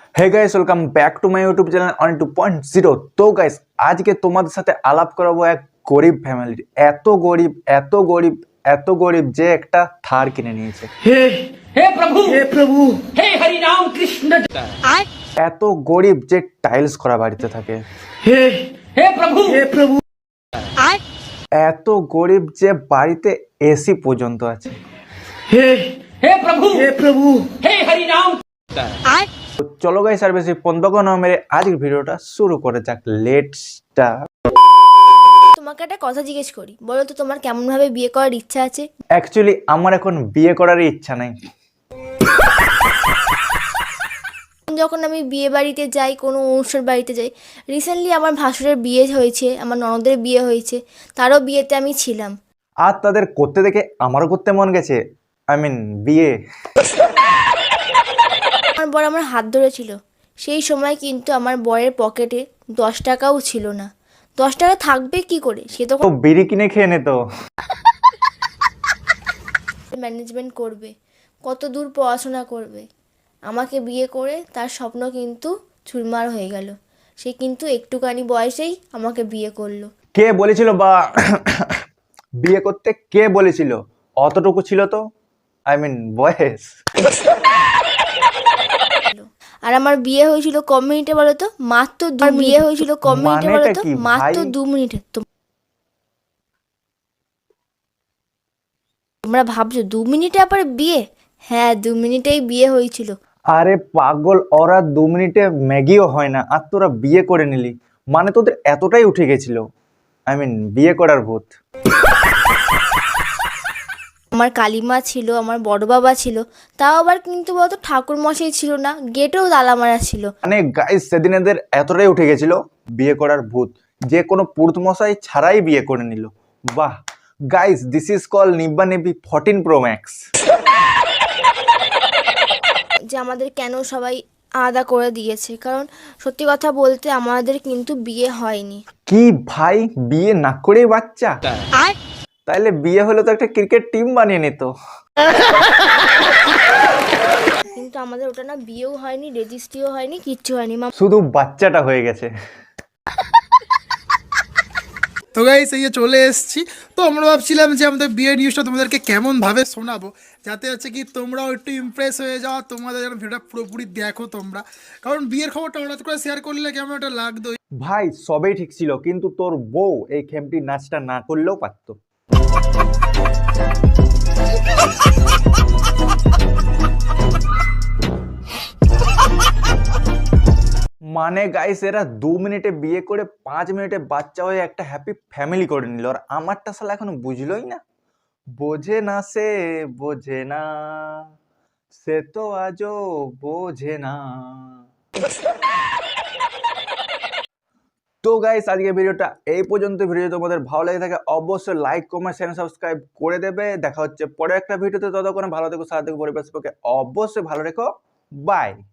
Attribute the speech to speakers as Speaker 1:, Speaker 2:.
Speaker 1: Hey guys, welcome back to my YouTube channel on 2.0। তো guys, আজকে তোমাদের সাথে আলাপ করাবো এক গরিব ফ্যামিলির। এত গরিব এত গরিব এত গরিব যে একটা থার কিনে নিয়েছে।
Speaker 2: हे हे प्रभु हे हरि राम कृष्ण
Speaker 1: এত গরিব যে টাইলস করা বাড়িতে থাকে।
Speaker 2: हे हे प्रभु
Speaker 1: এত গরিব যে বাড়িতে এসি পর্যন্ত আছে।
Speaker 2: हे प्रभु हे हरि राम
Speaker 1: তো চলো গাইস, আর বেশি পন্দক না মেরে আজকের ভিডিওটা শুরু করে যাক। Let's start.
Speaker 3: তোমাকে একটা কথা জিজ্ঞেস করি, বলো তো তোমার কেমন ভাবে বিয়ে করার ইচ্ছা আছে?
Speaker 1: অ্যাকচুয়ালি আমার এখন বিয়ে করার ইচ্ছা নাই।
Speaker 3: যখন আমি বিয়ে বাড়িতে যাই, কোনো অনুষ্ঠান বাড়িতে যাই, রিসেন্টলি আমার ভাসুরের বিয়ে হয়েছে, আমার ননদের বিয়ে হয়েছে, তারও বিয়েতে আমি ছিলাম।
Speaker 1: আর তাদের করতে দেখে আমারও করতে মন গেছে। বিয়ে।
Speaker 3: আমার বর আমার হাত ধরেছিল। সেই সময় কিন্তু আমার বরের পকেটে 10 টাকাও ছিল না। 10 টাকা থাকবে কি করে? সে তো
Speaker 1: ও বিড়ি কিনে খেয়ে নিত।
Speaker 3: ম্যানেজমেন্ট করবে, কত দূর পড়াশোনা করবে। আমাকে বিয়ে করে তার স্বপ্ন কিন্তু চুরমার হয়ে গেল। সে কিন্তু একটুখানি বয়সেই আমাকে বিয়ে করলো।
Speaker 1: কে বলেছিল বা বিয়ে করতে কে বলেছিল? অতটুকু ছিল তো বয়স।
Speaker 3: আর আমার বিয়ে হয়েছিল ক মিনিটে বলো তো? মাত্র 2 মিনিট। বিয়ে হয়েছিল ক মিনিটে বলো
Speaker 1: মানেটা
Speaker 3: তো?
Speaker 1: কি
Speaker 3: মাত্র
Speaker 1: ভাই?
Speaker 3: 2 মিনিটে। তোমরা ভাবছো 2 মিনিটে আবার বিয়ে? হ্যাঁ, 2 মিনিটেই বিয়ে হয়েছিল।
Speaker 1: আরে পাগল, ওরা 2 মিনিটে ম্যাগিও হয় না, আর তোরা বিয়ে করে নিলি। মানে তোদের এতটাই উঠে গেছিল। বিয়ে করার ভূত।
Speaker 3: আমার কালিমা ছিল, আমার বড় বাবা ছিল, তাও আবার কিন্তু বলতো ঠাকুর মশাই ছিল না, গেটেও তালা মারা ছিল।
Speaker 1: মানে গাইস, সেদিন এদের এতটাই উঠে গেছিল বিয়ে করার ভূত, যে কোনো পুরুত মশাই ছাড়াই বিয়ে করে নিল। বাহ গাইস, দিস ইজ কল নিব্বা নিব্বি 14 Pro Max।
Speaker 3: যে আমাদের কেন সবাই আলাদা করে দিয়েছে, কারণ সত্যি কথা বলতে আমাদের কিন্তু বিয়ে হয়নি।
Speaker 1: কি ভাই, বিয়ে না করেই বাচ্চা? তাইলে বিয়ে হলে তো একটা ক্রিকেট টিম বানিয়ে নিত।
Speaker 3: কিন্তু আমাদের ওটা না বিয়েও হয়নি, রেজিস্ট্রিও হয়নি, কিচ্ছু হয়নি।
Speaker 1: শুধু বাচ্চাটা হয়ে গেছে।
Speaker 4: তো গাইস, এই যে চলে এসেছি। তো আমরা ভাবছিলাম যে আমাদের বিয়ের নিউজটা তোমাদেরকে কেমনভাবে শোনাবো, যাতে হচ্ছে কি তোমরাও একটু ইমপ্রেস হয়ে যাও, তোমাদের যেন ভিডিওটা পুরোপুরি দেখো তোমরা। কারণ বিয়ের খবরটা হঠাৎ করে শেয়ার করলে কেমন একটা লাগতো।
Speaker 1: ভাই সবই ঠিক ছিল, কিন্তু তোর বউ এই খেমটি নাচটা না করলেও পারতো। মানে গাইস, এরা 2 মিনিটে বিয়ে করে 5 মিনিটে বাচ্চা হয়ে একটা হ্যাপি ফ্যামিলি করে নিল, আর আমারটা শালা এখনো বুঝলোই না। বোঝে না সে, বোঝে না সে, তো আজও বোঝে না। তো গাইস, আজকে ভিডিওটা এই পর্যন্ত। ভিডিও তোমাদের ভালো লেগে থাকে অবশ্যই লাইক কমেন্ট চ্যানেল সাবস্ক্রাইব করে দেবে। দেখা হচ্ছে পরে একটা ভিডিওতে। ততক্ষণ ভালো থেকো, সাথে থেকো, পরিবেশ পক্ষে অবশ্যই ভালো রেখো। বাই।